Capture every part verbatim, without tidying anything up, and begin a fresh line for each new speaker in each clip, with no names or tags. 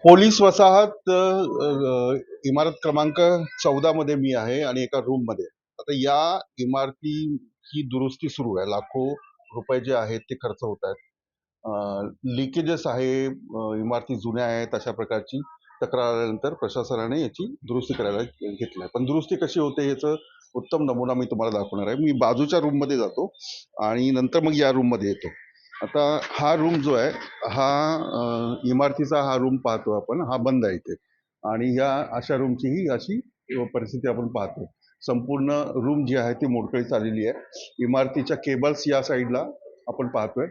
Police वसाहत अ, अ, इमारत क्रमांक चौदा मध्ये मी आहे आणि एका रूम मध्ये. आता या इमारतीची दुरुस्ती सुरू आहे. लाखो रुपये जे आहेत ते खर्च होत आहेत. लिकेजेस आहे, अ, इमारती जुन्या आहेत अशा प्रकारची तक्रार आल्यानंतर प्रशासनाने याची दुरुस्ती करायला घेतली. पण दुरुस्ती कशी होते याचं उत्तम नमुना मी तुम्हाला दाखवणार आहे. मी बाजूच्या रूम मध्ये जातो आणि नंतर मग या रूम मध्ये येतो. आता हा रूम जो आहे हा अ, इमारतीचा हा रूम पाहतो आपण, हा बंद आहे इथे. आणि या अशा रूमची ही अशी परिस्थिती आपण पाहतो. संपूर्ण रूम जी आहे ती मोडकळीत आलेली आहे. इमारतीच्या केबल्स या साईडला आपण पाहतोय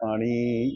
आणि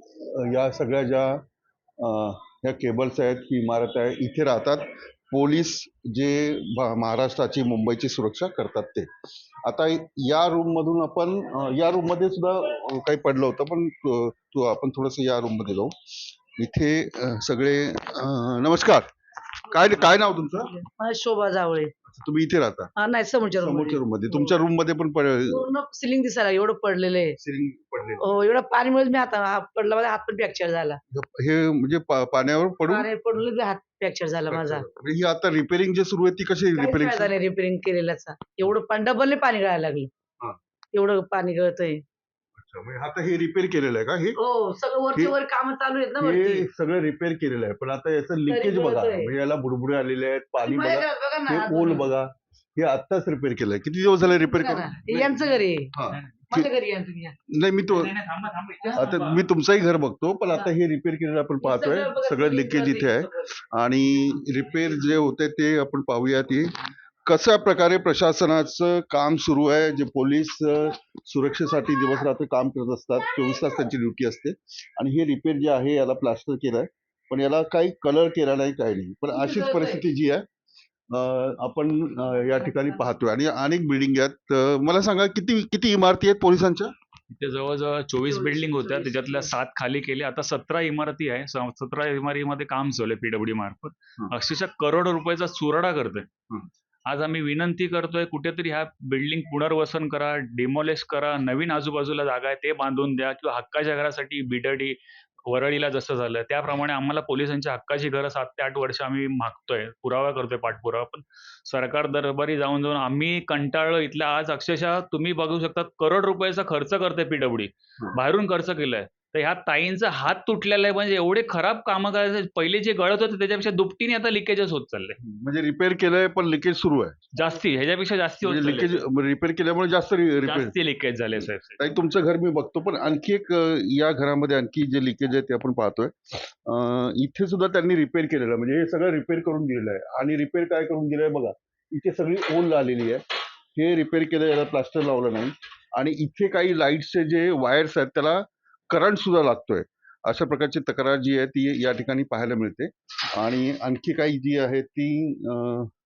या सगळ्या ज्या अ, ह्या केबल्स आहेत, ही इमारत आहे, इथे राहतात पोलीस जे भा- महाराष्ट्राची मुंबईची सुरक्षा करतात ते. आता या रूम मधून आपण अ, या रूम मध्ये सुद्धा अ, काही पडलं होतं, पण अ, तू आपण थोडस या रूम मध्ये जाऊ. इथे अ, सगळे अ, नमस्कार. काय काय नाव तुमचं?
मला शोभा जावळे.
अच्छा, तुम्ही इथे राहता
हा नाही समोरच्या रूम
समोरच्या
मध्ये
रूम मध्ये. तुमच्या रूम मध्ये पण
पूर्ण सिलिंग दिसायला एवढं पडलेलं आहे.
सिलिंग पडले
हो एवढं पाणीमुळे मी हात हात पडला, माझा हात पण फ्रॅक्चर झाला.
हे म्हणजे पा- पाण्यावर पडून
पाणी पडून हात फ्रॅक्चर झाला माझा.
म्हणजे ही आता रिपेअरिंग जे सुरू आहे ती कशी
काहीच
रिपेअरिंग?
फायदा नाही रिपेअरिंग केलेल्याचा. एवढं पाणी डबलने पाणी गळायला लागलं. एवढं पाणी गळतंय.
म्हणजे आता हे रिपेअर केलेलं आहे का? हे
हो सगळं वरचे
हे-
वर काम चालू आहेत ना
हे
वरती.
सगळं रिपेअर केलेलं आहे, पण आता याचं लिकेज
तरी
बघा.
गळतंय.
म्हणजे याला बुडबुडे आलेले आहेत, पाणी
माझ्या
बघा,
घरात बघा ना
हे
हात
ओल
बघा.
बघा. हे आत्ताच रिपेअर केलंय. किती दिवस झाले रिपेअर
बघा ना,
करून?
हे यांचं घरी आहे.
हा.
माझ्या घरी या तुम्ही या.
नाही, मी तो
नाही, नाही, थांबा, थांबा.
आता मी तुमचंही घर बघतो, पण आता हे रिपेअर केलेलं आपण पाहतोय.
सगळं बघा,
सगळं
सगळं
लिकेज इथे आहे
सगळं.
आणि रिपेअर जे होते ते आपण पाहूयात. हे कशा प्रकारे प्रशासनाचं काम सुरू आहे. जे पोलीस अ, सुरक्षेसाठी दिवस रात्र काम करत असतात, चोवीस तास त्यांची ड्युटी असते. आणि हे रिपेअर जे आहे याला प्लास्टर केलंय, पण याला काही कलर केला नाही, काही नाही. पण अशीच परिस्थिती जी आहे अ, आपण अ, या ठिकाणी पाहतोय. आणि अनेक बिल्डिंग आहेत. अ, मला सांगा, किती किती इमारती आहेत पोलिसांच्या?
इथे जवळजवळ चोवीस
चोवीस,
बिल्डिंग होत्या,
चोवीस,
त्याच्यातल्या
चोवीस.
सात खाली केले. आता सतरा इमारती आहे. स- सतरा इमारतीमध्ये काम चालू आहे पीडब्ल्यूडी मार्फत.
हं.
अक्षरशः करोड रुपयाचा चुराडा करतोय.
हं.
आज आम्ही विनंती करतोय, कुठेतरी ह्या बिल्डिंग पुनर्वसन करा, डिमॉलिश करा, नवीन आजूबाजूला जागा आहे ते बांधून द्या, किंवा हक्काच्या घरासाठी बिडडी वरळीला जसं झालं त्याप्रमाणे आम्हाला पोलिसांच्या हक्काची घरं सात ते आठ वर्ष आम्ही मागतोय, पुरावा करतोय, पाठपुरावा. पण सरकार दरबारी जाऊन जाऊन आम्ही कंटाळलो. इथल्या आज अक्षरशः तुम्ही बघू शकता करोड रुपयाचा खर्च करते पीडब्ल्यूडी,
हं.
बाहेरून खर्च केलाय. तर ह्या ताईंचा हात तुटलेला आहे. म्हणजे एवढे खराब कामं करायचे, पहिले जे गळत होते त्याच्यापेक्षा दुपटीने आता लिकेजेस होत चालले.
म्हणजे रिपेअर केलंय पण लिकेज सुरू आहे.
जास्ती ह्याच्यापेक्षा जास्ती होत
म्हणजे
चालले.
लिकेज रिपेअर केल्यामुळे जास्त रिपेअर.
जास्ती लिकेज झाले साहेब.
ताई, तुमचं घर मी बघतो, पण आणखी एक अ, या घरामध्ये आणखी जे लिकेज आहे ते आपण पाहतोय. अ, इथे सुद्धा त्यांनी रिपेअर केलेलं, म्हणजे हे सगळं रिपेअर करून दिलेलं आहे. आणि रिपेअर काय करून दिलंय बघा, इथे सगळी ओल आलेली आहे. हे रिपेअर केलं, याला प्लास्टर लावलं नाही. आणि इथे काही लाईट्सचे जे वायर्स आहेत त्याला करंट सुद्धा लागतोय. अशा प्रकारची तक्रार जी आहे ती या ठिकाणी पाहायला मिळते. आणि आणखी काही जी आहे ती अ,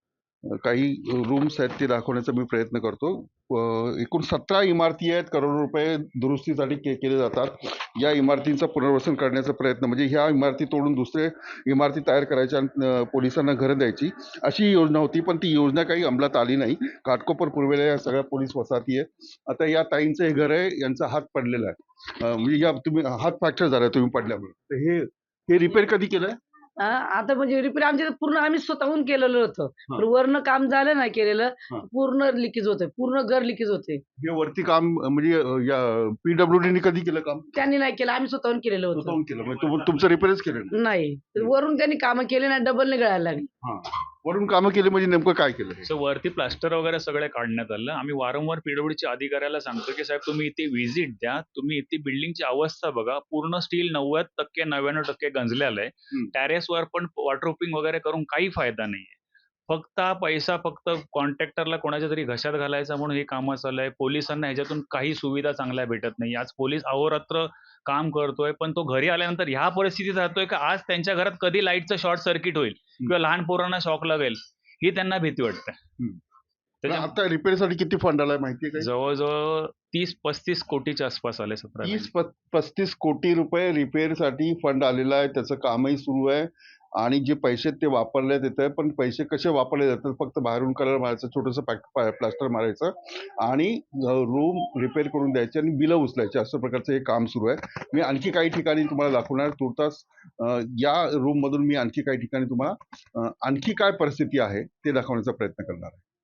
काही रूम्स आहेत ते दाखवण्याचा मी प्रयत्न करतो. अ, एकूण सतरा इमारती आहेत, करोड रुपये दुरुस्तीसाठी के केले जातात. या इमारतींचं पुनर्वसन करण्याचा प्रयत्न, म्हणजे ह्या इमारती तोडून दुसरे इमारती तयार करायच्या आणि अ, पोलिसांना घरं द्यायची अशी योजना होती, पण ती योजना काही अंमलात आली नाही. घाटकोपर पूर्वेला या सगळ्या पोलीस वसाहती आहेत. आता या ताईंचं हे घर आहे, यांचा हात पडलेला आहे. अ, म्हणजे या तुम्ही हात फ्रॅक्चर झाला तुम्ही पडल्यामुळे. तर हे हे रिपेअर कधी केलंय?
हा, आता म्हणजे रिपेअर आमच्या पूर्ण आम्ही स्वतःहून केलेलं होतं.
हा.
पण वरनं काम झालं नाही केलेलं,
हा.
पूर्ण लिकेज होते, पूर्ण घर लिकेज होते.
हे वरती काम अ, म्हणजे अ, या पीडब्ल्यूडीने कधी केलं काम?
त्यांनी नाही केलं, आम्ही स्वतःहून केलेलं होतं.
स्वतःहून केलं, म्हणजे तुम- तुमचं रिपेअरच केलं नाही?
नाही वरून त्यांनी कामं केले नाही, डबलने गळायला लागली.
हा. वरून कामं केली म्हणजे नेमकं काय केलं हे?
सो वरती प्लास्टर वगैरे सगळे काढण्यात आलं. आम्ही वारंवार पीडब्ल्यूडीच्या अधिकाऱ्याला सांगतो की साहेब तुम्ही इथे व्हिजिट द्या, तुम्ही इथे बिल्डिंगची अवस्था बघा. पूर्ण स्टील नव्वद टक्के नव्याण्णव टक्के गंजलेलं आहे.
हम्म.
टॅरेसवर पण वॉटरप्रूफिंग वगैरे करून काही फायदा नाहीये. फक्त हा पैसा फक्त कॉन्ट्रॅक्टरला कोणाच्या तरी घशात घालायचा म्हणून हे कामं चालू आहे. पोलिसांना ह्याच्यातून काही सुविधा चांगल्या भेटत नाही. आज पोलीस अहोरात्र काम करतोय, पण तो घरी आल्यानंतर ह्या परिस्थितीत राहतोय की आज त्यांच्या घरात कधी लाईटचं शॉर्ट सर्किट होईल किंवा लहान पोरांना शॉक लागेल ही त्यांना भीती वाटते.
हम्म. पण
त्याच्या
आता रिपेअरसाठी किती फंड आलाय माहितीये का?
जवळजवळ तीस पस्तीस कोटीच्या आसपास आले सतरा
तीस प- पस्तीस कोटी रुपये रिपेअरसाठी फंड आलेला आहे. त्याचं कामही सुरू आहे. आणि जे पैसे ते वापरण्यात येतं, पण पैसे कसे वापरले जातात फक्त बाहेरून कलर मारायचं, छोटंसं पॅक प्लास्टर मारायचं आणि रूम रिपेअर करून द्यायचे आणि बिलं उचलायचे, अशा प्रकारचं हे काम सुरू आहे. मी आणखी काही ठिकाणी तुम्हाला दाखवणार तुर्तास. अ, या रूममधून मी आणखी काही ठिकाणी तुम्हाला अ, आणखी काय परिस्थिती आहे ते दाखवण्याचा प्रयत्न करणार आहे.